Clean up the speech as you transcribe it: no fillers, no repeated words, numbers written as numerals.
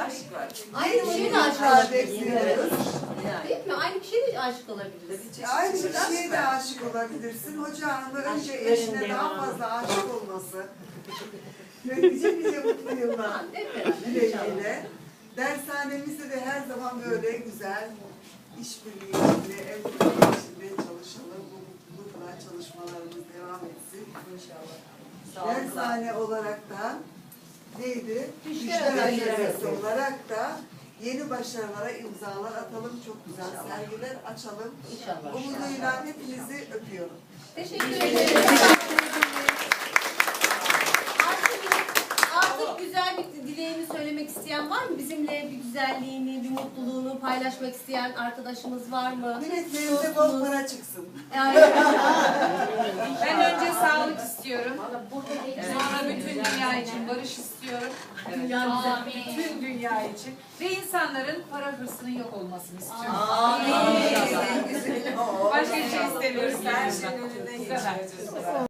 aşk var. Aynı kişiye de aşık olabiliriz. Değil mi? Aynı kişiye de aşık olabiliriz. Aynı kişiye de aşık olabilirsin. Hoca hanımı önce eşine daha fazla aşık olması. Ve nice mutlu yıllar dileğiyle. Dershanemizde de her zaman böyle güzel işbirliği içinde, ev birliği içinde çalışalım. Bu mutlulukla çalışmalarımız devam etsin. İnşallah. Dershane olarak da neydi? Düşler Atölyesi olarak da yeni başarılara imzalar atalım. Çok güzel sergiler açalım. İnşallah. Umuduyla hepinizi öpüyorum. Teşekkür ederim. Artık güzel bir dileğini söylemek isteyen var mı? Bizimle bir güzelliğini, bir mutluluğunu paylaşmak isteyen arkadaşımız var mı? Milletlerimize bol para çıksın. Yani, Ben önce sağlık istiyorum. Sonra bütün dünya için barış istiyorum. Bütün dünya için. Ve insanların para hırsının yok olmasını istiyorum. Amin. Başka bir şey istemiyoruz. Her şeyin önüne geçiyoruz.